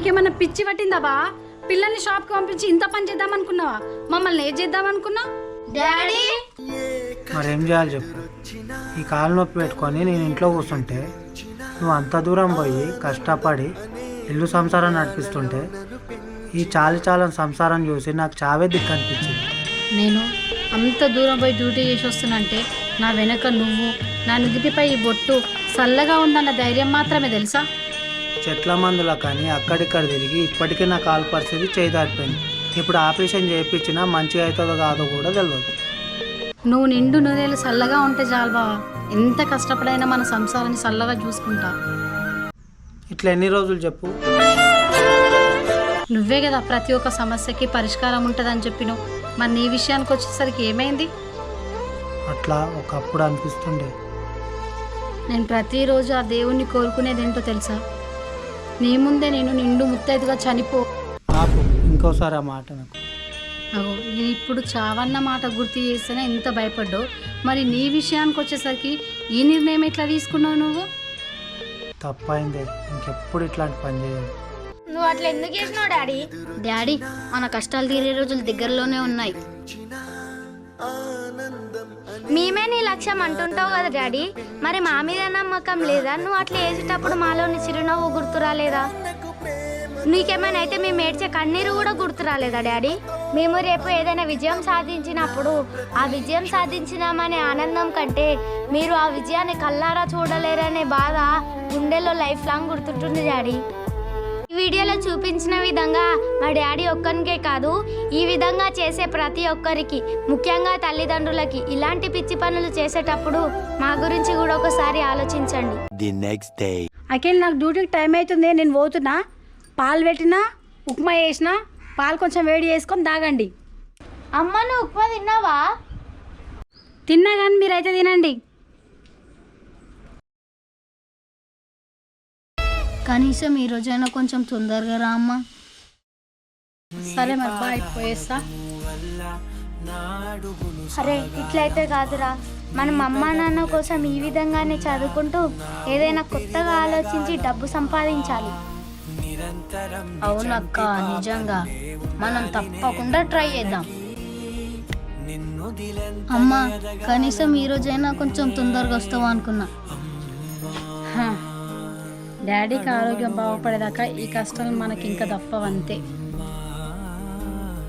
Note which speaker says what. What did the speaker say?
Speaker 1: నీకేమన్నా పిచ్చి పట్టిందా బా? పిల్లల్ని షాప్కి పంపించి ఇంత పని చేద్దాం అనుకున్నావా? మమ్మల్ని ఏం చేద్దాం అనుకున్నా? డాడీ
Speaker 2: మరేం చేయాలి చెప్పు? ఈ కాలు నొప్పి పెట్టుకొని నేను ఇంట్లో కూర్చుంటే నువ్వు అంత దూరం పోయి కష్టపడి ఇల్లు సంసారం నడిపిస్తుంటే ఈ చాలని సంసారం చూసి నాకు చావే దిక్కు అనిపించింది.
Speaker 1: నేను అంత దూరం పోయి డ్యూటీ చేసి వస్తున్నంటే నా వెనక నువ్వు, నా నుదిటిపై ఈ బొట్టు చల్లగా ఉందన్న ధైర్యం మాత్రమే తెలుసా?
Speaker 2: చెట్ల మందుల కానీ అక్కడిక్కడ తిరిగి ఇప్పటికీ నా కాలు పరిస్థితి చేదారిపోయింది. ఇప్పుడు ఆపరేషన్ చేయించినా మంచిగా అవుతుందో కాదో కూడా తెలియదు.
Speaker 1: నువ్వు నిండు నూనెలు చల్లగా ఉంటే చాలు బావా. ఎంత కష్టపడైనా మన సంసారాన్ని చల్లగా చూసుకుంటా.
Speaker 2: ఇట్లా ఎన్ని రోజులు చెప్పు?
Speaker 1: నువ్వే కదా ప్రతి ఒక్క సమస్యకి పరిష్కారం ఉంటుందని చెప్పినావు. మరి నీ విషయానికి వచ్చేసరికి ఏమైంది?
Speaker 2: అట్లా ఒకప్పుడు అనిపిస్తుండే.
Speaker 1: నేను ప్రతిరోజు ఆ దేవుణ్ణి కోరుకునేది ఏంటో తెలుసా? నీ ముందే నేను నిండు ముత్తైదుగా చనిపో.
Speaker 2: ఆపు, ఇంకోసారి ఆ మాట నాకు.
Speaker 1: అగో నేను ఇప్పుడు చావన్న మాట గుర్తు చేస్తేనే ఇంత భయపడ్డావు. మరి నీ విషయానికి వచ్చేసరికి ఈ నిర్ణయం ఎట్లా తీసుకున్నావు నువ్వు?
Speaker 2: తప్పైందే, ఇంకెప్పుడు ఇట్లాంటి పని చేయాలి.
Speaker 3: నువ్వు అట్లా ఎందుకు చేసినావు డాడీ?
Speaker 1: డాడీ, మన కష్టాలు తీరే రోజులు దగ్గరలోనే ఉన్నాయి.
Speaker 3: మేమే నీ లక్ష్యం అంటుంటావు కదా డాడీ, మరి మా మీద నమ్మకం లేదా? నువ్వు అట్లా వేసేటప్పుడు మాలోని చిరునవ్వు గుర్తు రాలేదా? నీకేమైనా అయితే మేము ఏడ్చే కన్నీరు కూడా గుర్తు రాలేదా డాడీ? మేము రేపు ఏదైనా విజయం సాధించినప్పుడు ఆ విజయం సాధించినామనే ఆనందం కంటే మీరు ఆ విజయాన్ని కల్లారా చూడలేరనే బాధ గుండెల్లో లైఫ్ లాంగ్ గుర్తుంటుంది డాడీ. ఈ వీడియోలో చూపించిన విధంగా మా డాడీ ఒక్కరికే కాదు, ఈ విధంగా చేసే ప్రతి ఒక్కరికి, ముఖ్యంగా తల్లిదండ్రులకి ఇలాంటి పిచ్చి పనులు చేసేటప్పుడు మా గురించి కూడా ఒకసారి ఆలోచించండి.
Speaker 1: అఖిల్, నాకు డ్యూటీకి టైం అవుతుంది, నేను పోతున్నా. పాలు పెట్టినా, ఉప్మా వేసినా, పాలు కొంచెం వేడి చేసుకొని తాగండి.
Speaker 3: అమ్మ, నువ్వు ఉప్మా తిన్నావా?
Speaker 1: తిన్నా కానీ మీరైతే తినండి. కనీసం ఈ రోజైనా కొంచెం తొందరగా రా అమ్మా. సరే మరి బాయ్, పోయేస్తా.
Speaker 3: అరే ఇట్లయితే కాదురా, మనం అమ్మా నాన్న కోసం ఈ విధంగానే చదువుకుంటూ ఏదైనా కొత్తగా ఆలోచించి డబ్బు సంపాదించాలి.
Speaker 1: అవునక్క, నిజంగా మనం తప్పకుండా ట్రై చేద్దాం. అమ్మా, కనీసం ఈ రోజైనా కొంచెం తొందరగా వస్తావా అనుకున్నా. డాడీకి ఆరోగ్యం బాగుపడేదాకా ఈ కష్టాలు మనకి ఇంకా తప్పవంతే.